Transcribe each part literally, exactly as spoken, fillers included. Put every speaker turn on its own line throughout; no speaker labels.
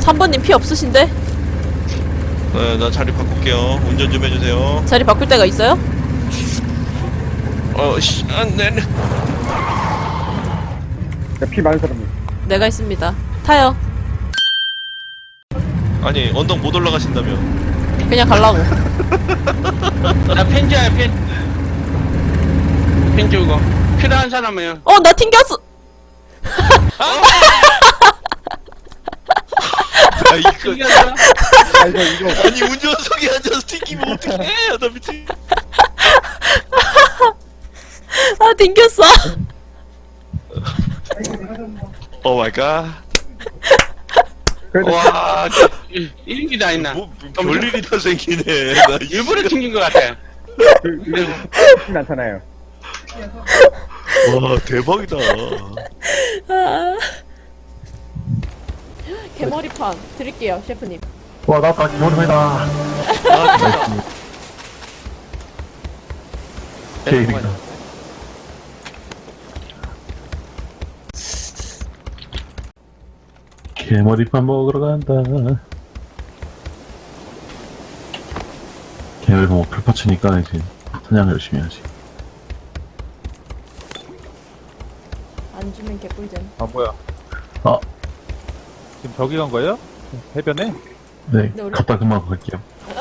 삼 번님 피 없으신데?
네, 나 자리 바꿀게요. 운전 좀 해주세요.
자리 바꿀 데가 있어요?
어, 씨, 안 돼.
피 많은 사람이.
내가 있습니다. 타요.
아니, 언덕 못 올라가신다며.
그냥 갈라고.
나 펜지야 펜. 펜 주고 필요한 사람은
어, 나 튕겼어!
아, 이거.
튕겨서
아, 이거, 이거.
아니, 운전석에 앉아서 튀기면 어떡해. 나 미친.
아, 튕겼어!
오 마이 갓.
그래도
와,
이런 게 다 있나?
뭐, 별일이 다 생기네. 나
일부러 튕긴 것 같아.
그,
그리고
쉽진 않잖아요.
와, 대박이다.
아. 개머리판 드릴게요, 셰프님.
와 나왔다 기본입니다. 케이크다. 개머리판 먹으러 간다. 개머리판 뭐 풀파츠니까 이제 사냥 열심히 하지.
안 주면 개꿀잼.
아 뭐야?
아.
지금 저기 간 거예요? 해변에?
네,
네, 우리-
갔다 금방 갈게요.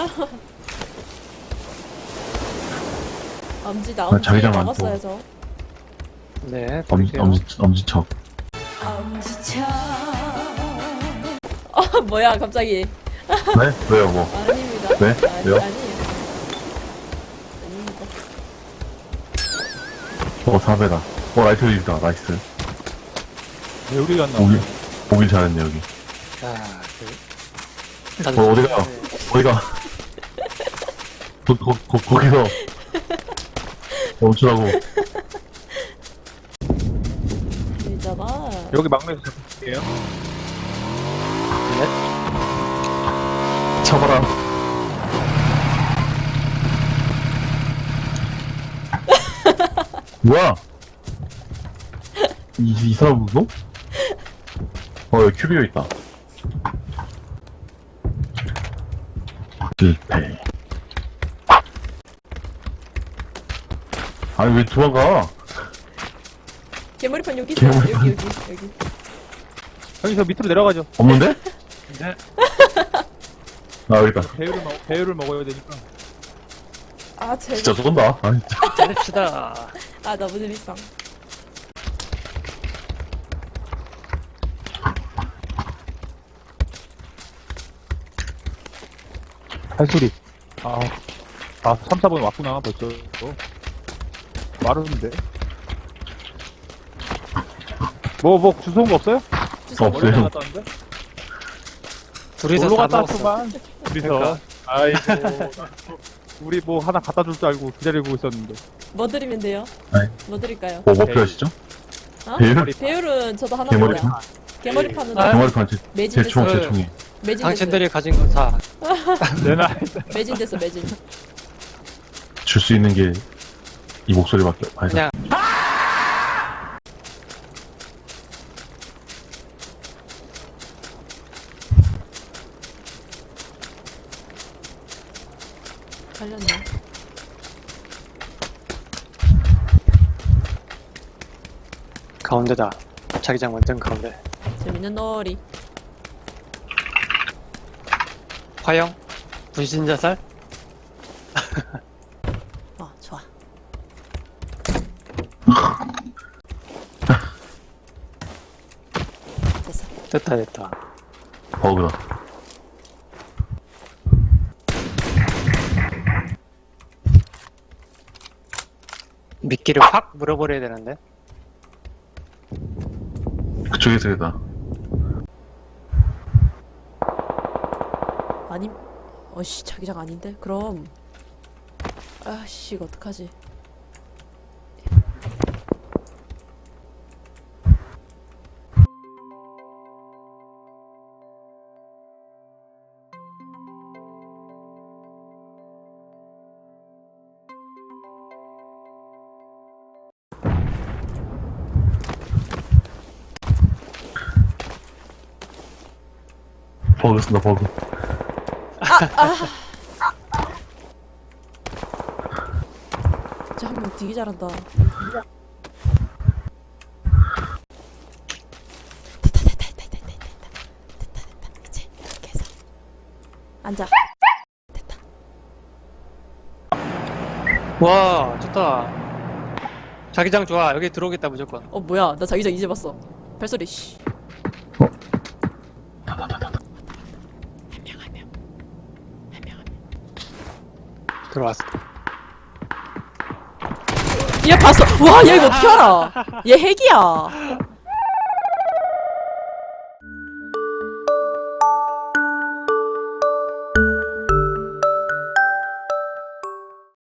엄지 나
아,
엄지
자기장 안
먹었어야죠.
네.
엄지 엄지 엄지척.
어, 뭐야, 갑자기.
네? 왜요 뭐?
아닙니다.
네?
아니,
왜요?
아니에요. 아닙니다.
어 사배다. 어 라이트 립이다. 나이스.
왜 우리 갔나?
오길 오길 잘했네 여기.
자,
어 어디가? 어디가? 거, 거, 거, 거기서 멈추라고.
있잖아.
여기 막내에서 잡을게요.
쳐봐라. 뭐야? 이, 이 사람 무서? 어, 여기 큐비오 있다. 실패. 아니, 왜 도망가?
개머리판 여기 있어요.
개머리판.
여기, 여기, 여기.
여기서 밑으로 내려가죠.
없는데?
네.
아, 여기 있다.
배율을 먹 배율을 먹어야 되니까.
아, 제발.
진짜 쏜다. 아니, 진짜.
때립시다.
아, 너무 재밌어.
발소리. 아, 아, 삼, 사 번 왔구나, 벌써. 말하는데. 뭐, 뭐, 주소온 거 없어요?
주소
없어요.
원래 갔다 왔는데?
둘이서
놀러
다
갔다
먹었어.
왔구만. 둘이서. 아이고. 우리 뭐 하나 갖다 줄 줄 알고 기다리고 있었는데.
뭐 드리면 돼요?
네.
뭐 드릴까요?
뭐, 뭐 필요하시죠?
어?
배율?
배율은 저도 하나
개머리판?
먹어요. 개머리판은
아,
개머리판 제,
매진
제 총,
됐어요.
제 총이.
매진 됐어요.
당신들이 가진 거 다.
내 나이.
매진 됐어, 매진.
줄 수 있는 게 이 목소리밖에 아니다.
그냥
갈렸네.
가운데다. 자기장 완전 가운데.
재밌는 놀이.
화영. 분신자살.
어, 좋아. 됐어.
됐다 됐다.
버그다.
미끼를 확 물어버려야 되는데.
그쪽에서 겠다.
아님, 어씨, 자기장 아닌데? 그럼. 아씨, 이거 어떡하지?
버그 쓴다, 버그.
저 한 명 되게 잘한다. 됐다 됐다 됐다 됐다 됐다 됐다 됐다 이제 이렇게 해서 앉아. 됐다.
와, 좋다. 자기장 좋아. 여기 들어오겠다, 무조건.
어 뭐야? 나 자기장 이제 봤어. 발소리 씨.
들어왔어.
얘 봤어. 와, 얘 이거 어떻게 알아? 얘 핵이야.